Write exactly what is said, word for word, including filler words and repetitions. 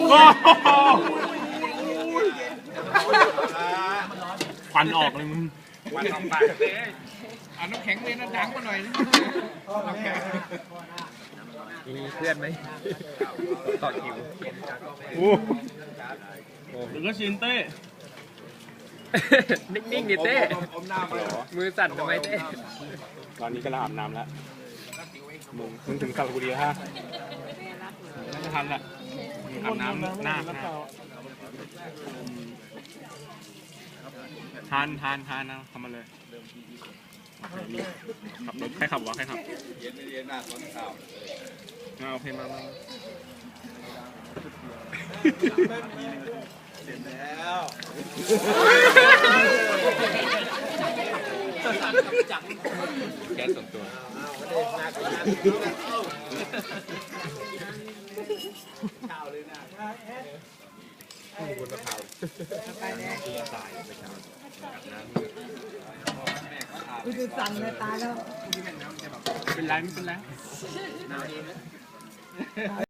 ควันออกเลยมึงควันออกปากเลยเอาน้ำแข็งเลยนะดังมาหน่อยน้ำแข็งมีเพื่อนไหมต่อคิวโอ้หรือก็ชินเต้นิ่งๆดิเต้มือสั่นทำไมเต้ตอนนี้ก็อาบน้ำแล้วมึงมึงถึงสระบุรีแล้วฮะน่าจะทันแหละอาบน้ำหน้าทานทานทานนะทำมาเลยขับรถใครขับวะใครขับเย็นเย็นหน้าตอนเช้าเอาโอเคมามาเสร็จแล้วแก๊สส่วนตัวข้าวเลยนะบนมะพร้าวตายไปครับกูจะสั่นเลยตายแล้วเป็นไรไม่เป็นไร